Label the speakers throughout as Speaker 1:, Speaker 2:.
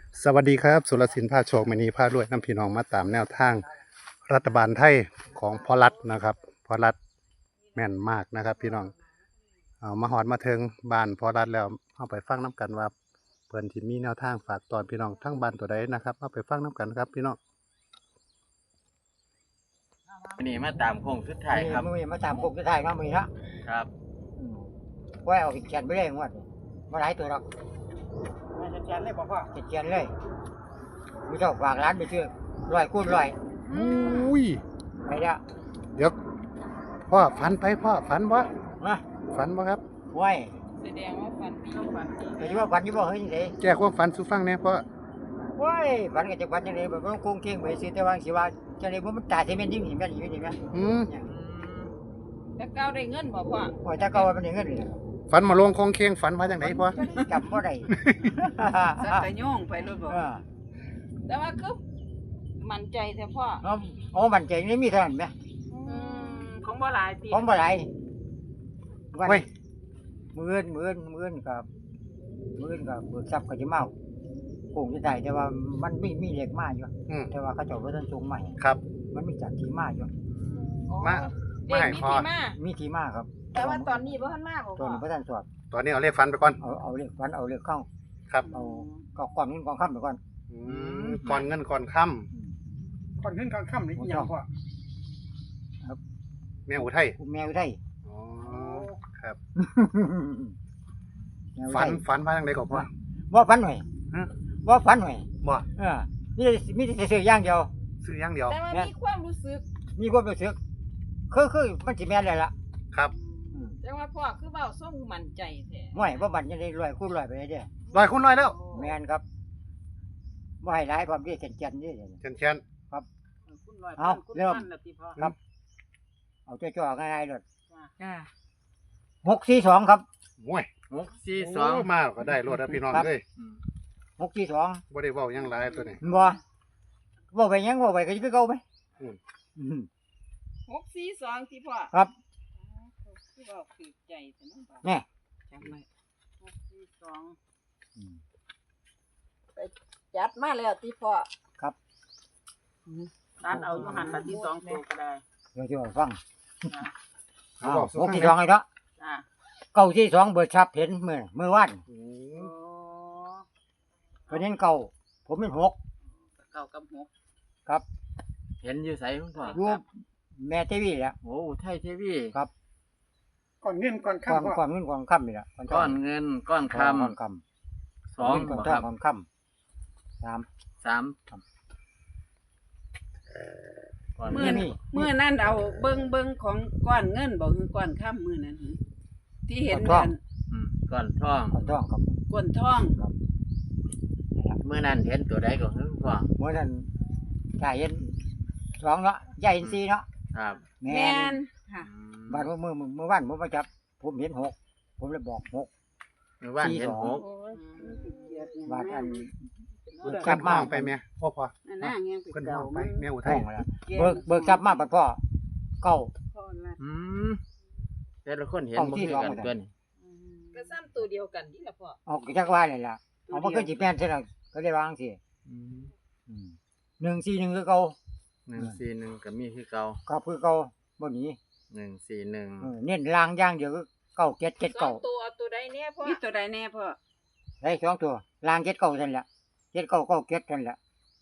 Speaker 1: สวัสดีครับสุรศิลป์พาโชคมณีพารวยน้ำพี่น้องมาตามแนวทางรัฐบาลไทยของพอรัฐนะครับพอรัฐแม่นมากนะครับ พี่น้องเอามาหอดมาถึงบ้านพอรัฐแล้วเอาไปฟังน้กันว่าเพิ่นที่มีแนวทางฝากตอนพี่น้องทั้งบ้านตัวใดนะครับเอาไปฟังน้กันครับพี่น้อง
Speaker 2: วันนี้มาตามโค้งสุดท้ายครับ
Speaker 3: มือมาตามพวกสุดท้ายมามือนะครับ ไว้เอาเขียนไปเลยงวดมาหลายตัวหรอก
Speaker 4: เขียนเลยบอกว่า
Speaker 3: เขียนเลยมือเจ้าฝากร้านไปซื้อ100 คูณ 100
Speaker 1: อุ้ย
Speaker 3: ไปแล้ว
Speaker 1: เดี๋ยวพ่อฝันไปพ่อฝันบ่
Speaker 3: มา
Speaker 1: ฝันบ่ครับ
Speaker 3: ไว้
Speaker 4: แสดงว่าฟันต้องฟัน
Speaker 3: แต่ว่าฝันอยู่บ่เฮ้ยนี่เด้
Speaker 1: แก้ความฝันสู่ฟังแหน่พ่อ
Speaker 3: ไว้ฝันก็จะฝันจังได๋แบบว่าคงเก่งไปซื้อแต่ว่าสิว่าจังได๋บ่มันตายสิแม่นยิ่งเห็นแม่นอยู่นี่แม่
Speaker 1: อืม
Speaker 4: แต่เก้าได้เงินบอกว่า
Speaker 3: โอ้ยถ้าเก่ามันได้เงินเลย
Speaker 1: ฝันมาลงคงเคียงฝันว่าจังไดพ่อ
Speaker 3: จำบ่ได้
Speaker 4: สักแต่ย่องไปรถบอก
Speaker 3: เออ
Speaker 4: แต่ว่าคือมั่นใจแต่พ่อ
Speaker 3: เอามันใจนี่มีเท่านั้นแหม
Speaker 4: ของบ่หลายปี
Speaker 3: ของบ่หลายวัน
Speaker 1: เฮ้ย
Speaker 3: มื้อนกับเบิกทรัพย์ก็สิมาโค้งสุดท้ายแต่ว่ามันมีเลขมาอยู่
Speaker 1: อืม
Speaker 3: แต่ว่าเขาเจ้าบ่ทันส่งมาให้
Speaker 1: ครับ
Speaker 3: มันมีจัดที่มาอยู่
Speaker 1: มา
Speaker 4: เด็ก
Speaker 1: ให้
Speaker 4: มี
Speaker 1: พ่อ
Speaker 4: ที่มา
Speaker 3: มีที่มาครับ
Speaker 4: แต่ว่าตอนนี้บ่ทันมาบอก
Speaker 3: ตัว
Speaker 4: พ่อ
Speaker 3: นี้บ่ทันสอบ
Speaker 1: ตอนนี้เอาเลขฝันไปก่อน
Speaker 3: เอาเลขวันเอาเลขเข้า
Speaker 1: ครับ
Speaker 3: เอาก็ก่อนเงินก่อนค่ำไปก่อน
Speaker 1: ก่อนเงินก่อนค่
Speaker 4: ก่อนขึ้นก่อนค่ำนี่ยังพ่อ
Speaker 1: ำแม่อุทัย
Speaker 3: คุณแมวได้
Speaker 1: อ๋อครับ
Speaker 3: แมว
Speaker 1: ฝั
Speaker 3: ได้
Speaker 1: นฝันว่าจังไดก็พ่อ
Speaker 3: ว่าฝันหน่อย
Speaker 1: ฮะ
Speaker 3: ว่าฝันหน่อย
Speaker 1: บ่
Speaker 3: เออมีแต่ซื้ออย่างเดียว
Speaker 1: ซื้ออย่างเดียว
Speaker 4: แต่ว่ามีความรู้สึก
Speaker 3: มีความรู้สึกคือมันสิแม่นเลยล่ะ
Speaker 1: ครับ
Speaker 4: แต่ว่าพ่อคือเว้าส่งมั่นใจแท้
Speaker 3: ห่วยว่าบันจะได้100 คูณ 100ไปเลยเด้อ
Speaker 1: ร้อยคุณร้อยแล้ว
Speaker 3: แม่นครับบ่ให้หลายความที่แก่นๆนี่
Speaker 1: เชนเชียน
Speaker 4: คุณร้อย
Speaker 3: เอา
Speaker 4: คุณ
Speaker 3: เริ่ม
Speaker 4: พันละติพ่อ
Speaker 3: ครับ เอาจ่อๆง่ายๆเลย
Speaker 4: จ้า
Speaker 3: 642ครับ
Speaker 1: โอ้ย
Speaker 2: 642
Speaker 1: โอ้มาก็ได้รถแล้วพี่น้อง
Speaker 3: ครับ
Speaker 1: เอ้ย
Speaker 3: 642
Speaker 1: บ่ได้เว้าหยังหลายตัวนี้
Speaker 3: บ่บ่ไปหยังบ่ไปก็คือเก่าไหม
Speaker 1: อืม
Speaker 3: อืม
Speaker 4: 642ที่พ่อ
Speaker 3: ครับ
Speaker 4: คือเว้าคือใจแต่น้องบ่
Speaker 3: แน่
Speaker 4: จำไว้642
Speaker 3: อืม
Speaker 4: จัดมาแล้วที่พ่อ
Speaker 3: ครับ
Speaker 4: ร้านเอาอยู่หันละที่สองตัวก็ได้
Speaker 3: เดี๋ยวจะฟัง
Speaker 1: เอาบอกสู้
Speaker 3: หก
Speaker 1: ฟัง
Speaker 3: ที่
Speaker 1: ห
Speaker 3: ส
Speaker 1: น่
Speaker 3: อ
Speaker 1: อง ย
Speaker 3: ไอ้เนาะ
Speaker 4: จ้า
Speaker 3: เก้าที่สองเบิดชับเห็นเมื่อวาน
Speaker 1: อื
Speaker 4: โอ้
Speaker 1: ม
Speaker 3: ก็เห็นเก้าผมเป็น6
Speaker 4: เก้ากับหก
Speaker 3: ครับ
Speaker 2: เห็นอยู่ไสคุณพ่อ
Speaker 3: อยู่แม่ทีวีแหละ
Speaker 2: โอ้ไทยทีวี
Speaker 3: ครับ
Speaker 4: ก่อนเงินก่อน
Speaker 3: ก่อน
Speaker 4: ค่ำ
Speaker 3: ก่อนเงินก่อนค่ำนี่แหละ
Speaker 2: ก้อนเงินก้อนค
Speaker 3: ก่อนค่
Speaker 2: ำ
Speaker 3: ำ
Speaker 2: สอง
Speaker 3: ก่อน
Speaker 2: บ่
Speaker 3: ท
Speaker 2: ค
Speaker 3: อ
Speaker 2: รั
Speaker 3: ง
Speaker 2: บ
Speaker 3: ก่อนค่ำ3
Speaker 2: ก้อน
Speaker 4: เมื่
Speaker 2: เงิ
Speaker 4: อน เมื่อนั่นเอาเบิ้งของก้อนเงินบอกคือก้อนค่ำมือนั้นหึที่เห็นนั่น
Speaker 2: ก้อนทอง
Speaker 3: ก่อนทองครับ
Speaker 4: ก้อนทอง
Speaker 2: เมื่อนั้นเห็นตัวใดก็คือคุณพ่อ
Speaker 3: เมื่อนั้นถ้าเห็น2เนาะยายเห็น4เนาะ
Speaker 2: ครับ
Speaker 3: แม่
Speaker 4: แม่
Speaker 3: น
Speaker 4: นค่ะ
Speaker 3: บ้านเมื่อวานผมมาจับผมเห็น6ผมเลยบอก6
Speaker 2: เมื่อวานเห็น
Speaker 3: 42
Speaker 2: หก
Speaker 3: บาทอัน
Speaker 1: เพิ่น
Speaker 3: กลับมา
Speaker 1: ห้องไปแม่พ่อ
Speaker 4: อันนั้นยัง
Speaker 1: เพิ่น
Speaker 4: เก่า
Speaker 1: ห้องไป
Speaker 4: มัน
Speaker 1: แม่อุ
Speaker 3: ห้
Speaker 1: ทั
Speaker 3: อย งแล้วเบิกทรัพย์มาบัดพ่อเก้า
Speaker 4: พ่อละ
Speaker 2: อืมแต่ละคนเห็น
Speaker 3: ห้อง
Speaker 2: บ่
Speaker 3: ที่
Speaker 2: คือ
Speaker 3: สอง
Speaker 2: กัน
Speaker 3: หมดเลย
Speaker 2: เกิน
Speaker 4: ก็ซ้ำตัวเดียวกันนี่แหละพ่อ
Speaker 3: เอาจักว่าเลยล่ะเอามาขึ้นจีแป้นใช่ไหมก็เลยวางสิ 141คือเก่า
Speaker 2: 141ก็มีคือเก่า
Speaker 3: ก็คือเก่าบ่หนี
Speaker 2: 141
Speaker 3: เน้นลางอย่างเดียวคือเก้าเจ็ดเจ็ด
Speaker 4: สอ
Speaker 3: เก้าง
Speaker 4: ตัวเอาตัวใดแน่พ่อมีตัวใดแน่พ่อ
Speaker 3: ได้สองตัวลางเจ็ดเก้านั่นแหละเจ็ดเก้าเก้าเจ็ดนั่นแหละ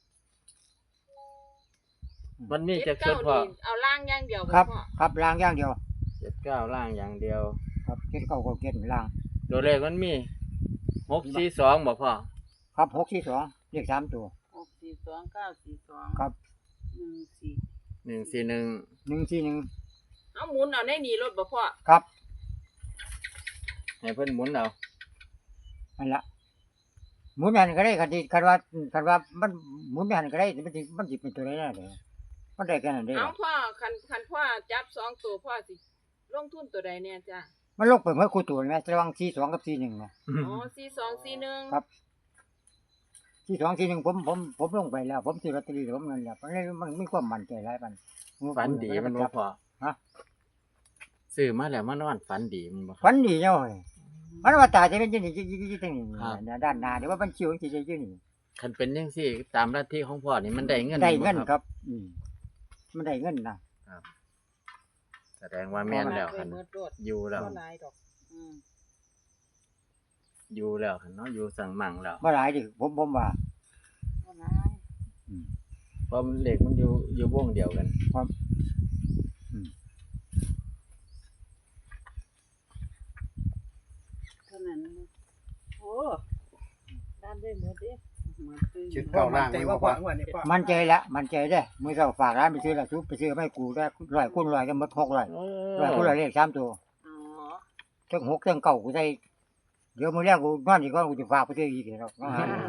Speaker 2: มันมีจักชุด
Speaker 4: เก้า
Speaker 2: พ่อ
Speaker 4: นี่เอาล่างอย่างเดียว
Speaker 3: ครับ
Speaker 4: พ่อ
Speaker 3: ครับลางอย่างเดียว
Speaker 2: 79ล่างอย่างเดียว
Speaker 3: ครับเจ็ดเก้าเก้าเจ็ดลาง
Speaker 2: ตัวเลขมันมี642บ่พ่อ
Speaker 3: ครับ642เลข3ตัว
Speaker 4: 642 942
Speaker 3: ครับ
Speaker 4: 14
Speaker 2: 141
Speaker 3: 141
Speaker 4: เอาหมุนเอาในนี่รถบ่พ่อ
Speaker 3: ครับ
Speaker 2: ให้เพิ่นหมุนเอา
Speaker 3: นั่นละหมุนแม่นก็ได้คันว่ามันหมุนแม่นก็ได้มันสิเป็นตัวไหนน่ะเด้อมันได้แค่นั้นเด้อ
Speaker 4: เอาพ่อคันพ่อจับสองตัวพ่อสิลงทุนตัวใดเนี่ยจ้ะ
Speaker 3: มันลงไปเมื่อคู่ตัวแม่ระวัง42กับ41นะ
Speaker 4: อ๋อ4241
Speaker 3: ครับ 42 41ผมลงไปแล้วผมซื้อลอตเตอรี่ผมนั่นแหละมันมีความมั่นใจหลายปาน
Speaker 2: ฝันดีมันบ่พอ
Speaker 3: ฮะ
Speaker 2: ซื้อมาแล้วมานอนฝันดีมันบ่
Speaker 3: ฝันดีเนาะเว้ยมันว่าตาจะเป็นจังนี่จังนี่
Speaker 2: ครับ
Speaker 3: ด้านหน้าเดี๋ยวว่ามันคิวจังซี่อยู่นี่
Speaker 2: คันเป็นจังซี่ตามลัทธิของพ่อนี่มันได้เงิน
Speaker 3: ได้เงิน
Speaker 2: บ่
Speaker 3: ครับ มันได้เงินนะ
Speaker 2: แสดงว่าแม่นแล้วคัน
Speaker 4: เบิดโดด
Speaker 2: อยู่แล้ว
Speaker 4: บ่หลายดอกอืม
Speaker 2: อยู่แล้วคันเนาะอยู่สั่งมั่งแล้ว
Speaker 3: บ่หลายดิผมว่า
Speaker 4: บ่หลาย
Speaker 2: เพราะเลขมันอยู่วงเดียวกัน
Speaker 4: เท่านั้นโอ้ด้านได้หมดเด้หมดเลย
Speaker 1: ชุดเก่าล่างนี่บ่พ่อ
Speaker 3: มันใจแล้วมันใจได้มื้อเช้าฝากร้านไปซื้อแล้วไปซื้อไม่กูได้100คูณ100ก็หมด600 100คูณ100เลข3ตัว
Speaker 4: อ๋อ
Speaker 3: ทั้ง6ทั้ง9กูได้เดี๋ยวมื้อแรกกูนอนอีกก่อนกูจะฝากไปซื้ออีกเนาะ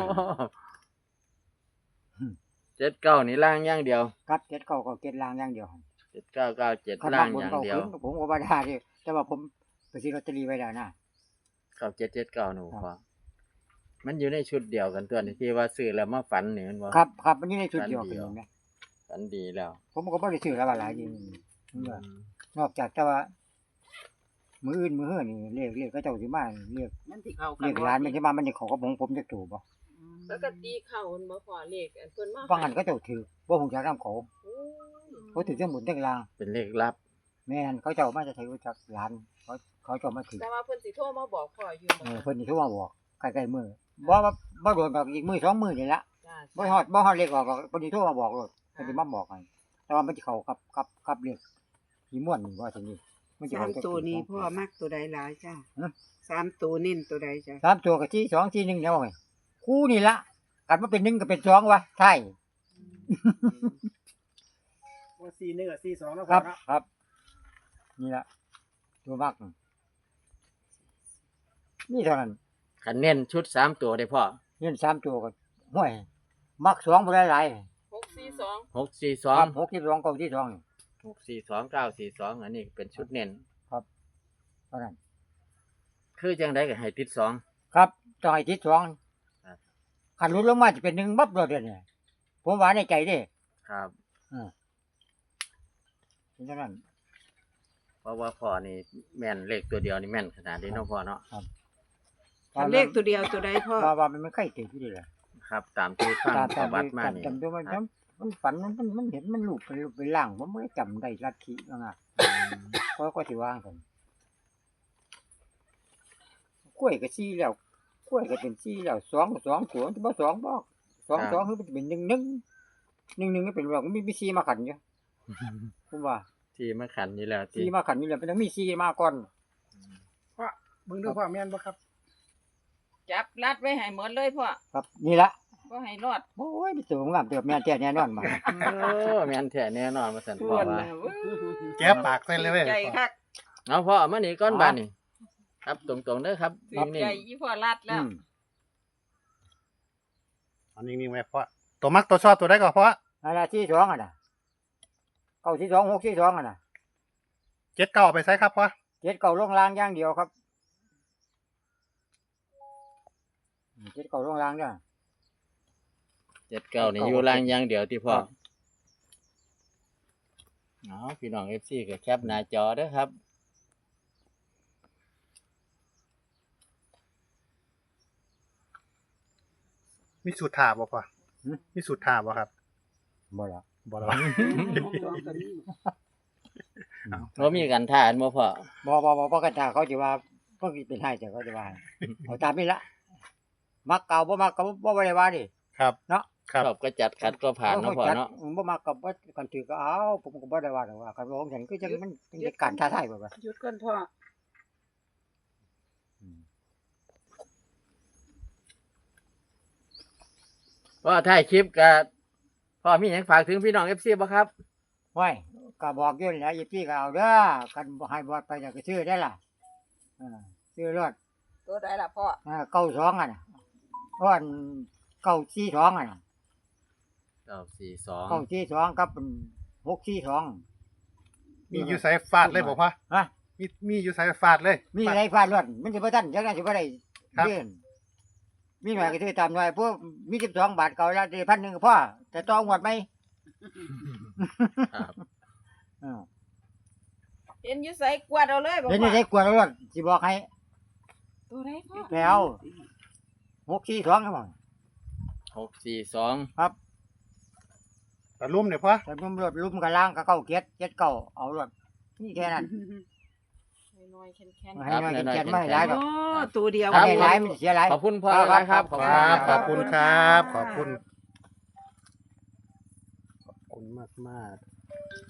Speaker 2: 79นี่ล่างอย่างเดียว
Speaker 3: ครับ7 9ก็7ลางอย่างเดียว
Speaker 2: 7997
Speaker 3: คัน
Speaker 2: ล่า
Speaker 3: บาง ง
Speaker 2: อบ
Speaker 3: น
Speaker 2: ย่าง
Speaker 3: เก่า
Speaker 2: เดียว
Speaker 3: ขึ้นผมก็บ่ได้ดิแต่ว่าผมไปซื้อลอตเตอรี่ไว้แล้วนะ
Speaker 2: 9779หนูพ่อมันอยู่ในชุดเดียวกันตัวนี้ที่ว่าซื้อแล้วมาฝันนี่แมันบ่
Speaker 3: ครับมันอยู่ในชุดเดียวกันเห็นไหม
Speaker 2: ฝันดีแล้ว
Speaker 3: ผมก็บ่ได้ซื้อแล้วว่าหลายจริงนอกจากแต่ว่ามื้ออื่นมื้อเฮือนี่เรียกเขาเจ้าสิมาเรียก
Speaker 4: มันสิเข้ากั
Speaker 3: เรียกร้านมันสิมามันสิเข้ากับผมจักตู่บ่
Speaker 5: ปกติเขามันบ่พอเลขอันเพิ่นมา
Speaker 3: บางอันเขาเจ้าถือบ่ฮู้จักนำเขา
Speaker 5: โอ้ย
Speaker 3: เขาถือทั้งหมดทั้งลาง
Speaker 2: เป็นเลขลับ
Speaker 3: แม่นเขาเจ้ามาจะถือจักร้านเขาเจ้ามาถือ
Speaker 5: แต่ว่าเพิ่นสิโทรมาบอกพ่ออยู่บ่
Speaker 3: เพิ่นสิโทรมาบอกใกล้ๆมื้อบ่โดนดอกอีกมื้อ2มื้อนี่ละ
Speaker 5: จ้า
Speaker 3: บ่ฮอดเลขออกเพิ่นสิโทรมาบอกโลดเพิ่นสิมาบอกให้แต่ว่ามันสิเข้ากับเลขที่ม่วนนี่ว่าซั่นนี่มันสิ
Speaker 4: สาม
Speaker 3: เข้า
Speaker 4: ตัวนี้พ่อมักตัวใดหลายจ้า
Speaker 3: ฮะ
Speaker 4: สามตัวเน้นตัวใดจ้า
Speaker 3: สามตัวกับที่2ที่1แล้วไงคู่นี่ละกันมาเป็น1ก็เป็น2วะใช่
Speaker 6: ว่า4 1กับ4 2แล้ว
Speaker 3: ครับ
Speaker 6: เนาะ
Speaker 3: ครับ นี่ละตัวมากนี่เท่านั้น
Speaker 2: คันเน้นชุด3ตัวได้พ่อ
Speaker 3: เงิน3ตัวก็ห้วยมัก2บ่ได้หลาย
Speaker 5: 642
Speaker 3: ครับ
Speaker 2: 642
Speaker 3: 62เก้าที่2นี่
Speaker 2: 642 942อันนี้เป็นชุดเน้น
Speaker 3: เท่านั้น
Speaker 2: คือจังได๋ก็ให้ติด2
Speaker 3: ครับต้องให้ติด2
Speaker 2: ครับ
Speaker 3: คันหลุดลงมาจะเป็น1บับเลยเด้อเนี่ยผมว่าในใจเด้
Speaker 2: ครับ
Speaker 3: เป็นเท่านั้น
Speaker 2: เพราะว่าพ่อนี่แม่นเลขตัวเดียวนี่แม่นขนาดนี้เนาะพ่อเนาะ
Speaker 4: คันเลขตัวเดียวตัวใดพ่อ
Speaker 3: ว่ามันไม่ค่อยติดอยู่ดีเลย
Speaker 2: ครับ ตามที่ฟังประวัติมานี่
Speaker 3: จำด้วยมันฝันมันเห็นมันรูปเป็นร่างผมไม่ได้จำได้ลัทธิว่าไงก็สิว่างกันกล้วยก็ซี่แล้วกล้วยก็เป็นซี่แล้ว2ตัวจะบ่2บ่2คือมันจะเป็น1ก็เป็นว่ามันมีซี่มาขันอยู่ผมว่า
Speaker 2: ที่มาขันนี่แล้วที่
Speaker 3: ซี่มาขันนี่แหละมันต้องมีซี่มาก่อน
Speaker 6: พ่อเบิ่งดูพ่อแม่นบ่ครับ
Speaker 5: จับรัดไว้ให้หมดเลยพ่อ
Speaker 3: ครับนี่ละ
Speaker 5: บ่ให้รอด
Speaker 3: โอ้ยมีตัวงามเติบแม่นแท้แน่นอนมา
Speaker 2: แม่นแท้แน่นอนว่าซั่น
Speaker 4: ส่
Speaker 2: พ่อ
Speaker 4: วน
Speaker 2: ว่า
Speaker 4: น่ะเว้ย
Speaker 1: แก้ปากใส่เลยเว้ย
Speaker 4: ใจคัก
Speaker 2: เอาพ่อเอามานี่ก่อนบาดนี่ครับตรงๆเด้อครับ
Speaker 5: ถือ
Speaker 2: นี่
Speaker 5: ใจอีพ่อรัดแล้ว
Speaker 1: อันนี้ไว้พ่อตัวมักตัวชอบตัวได้ก็พ่อ
Speaker 3: นั่นล่ะซี่2อ่ะน่ะเก้าซี่2 6ซี่2อ่ะน่ะ
Speaker 1: 7 9เอาไปใส่ครับพ่อ
Speaker 3: เจ็ดเก่าลงรางอย่างเดียวครับเจ็ดเก่าลงรางเด้อ
Speaker 2: 79นี่อยู่ล่างอย่างเดียวที่พ่อ
Speaker 3: ครับ
Speaker 2: เอาพี่น้อง FC ก็แคปหน้าจอเด้อครับ
Speaker 1: มีสูตรถาบ่พ่อมีสูตรถาบ่ครับ
Speaker 3: บ่ละ
Speaker 1: บ่หรอ
Speaker 4: สองก็มี
Speaker 2: บ่มีกันท่าอันบ่พ่อ
Speaker 3: บ่กันถ้าเขาจะว่าก็เป็นให้แต่เขาจะว่าเอาตามนี้ละมักเก่าบ่มักก็บ่ได้ว่าดิ
Speaker 1: ครับ
Speaker 3: เนาะ
Speaker 1: ครับ
Speaker 2: ชอบก็จัดขัดก็ผ่านเนาะพ่อเนาะ
Speaker 3: บ่มักก็บ่กันถือก็เอาผมก็บ่ได้ว่าหรอกว่ากันของฉันคือจังมันเป็นการท้าทายบ่ว่า
Speaker 4: หยุดก่อนพ่อ
Speaker 2: พ่อท้ายคลิปก็พ่อมีหยังฝากถึงพี่น้อง FC บ่ครับ
Speaker 3: ห้วยก็บอกอยู่แล้วอีพี่ก็เอาเด้อกันบ่ให้บอดไปก็ซื้อได้ล่ะซื้อรถ
Speaker 5: ตัวใดล่ะพ่อ
Speaker 3: 92อ่ะน่ะอ้อน942อ่ะน่ะ
Speaker 2: 942
Speaker 3: 942กับ642
Speaker 1: มีอยู่ใส่ฟาดเลยบ่พ่อ
Speaker 3: ฮะ
Speaker 1: มีอยู่ใส่ฟาดเลย
Speaker 3: มีอะไรฟาดรถมันสิบ่ทันจังได๋สิบ่ได้
Speaker 1: ครับ
Speaker 3: เดินมีหน่อยก็ซื้อตามหน่อยพวกมี12 บาทเก่าแล้วได้1,000ก็พอแต่ต้องงวดไหม
Speaker 2: ครับ
Speaker 3: เออ
Speaker 5: เห็นอยู่ไสกวาดเอาเลยบ่
Speaker 3: เดี๋ยว
Speaker 5: พ่
Speaker 3: นี้
Speaker 5: อ
Speaker 3: ได้กวดรถสิบอกให้
Speaker 5: ตัวใดพ่อ
Speaker 3: แล้ว642ครับผม
Speaker 2: 642
Speaker 3: ครับ
Speaker 1: ตะลุ่มเนี่ยพ่อ
Speaker 3: แต่รุ่มรถรุ่มกับล่างก็เก้าเก็ดเก็ดเก้าเอารถนี่แค่นั้น
Speaker 5: น้อยๆแข็ง
Speaker 3: ให้น้อยเก็ดไม่หลายดอก
Speaker 4: โอ้ตัวเดียว
Speaker 3: เอาให้หลายมันเสียหลาย
Speaker 2: ขอบคุณพ่อ
Speaker 3: ครับ
Speaker 2: นะครับ
Speaker 1: ครับขอบคุณครับ ขอบคุณ ขอบคุณมาก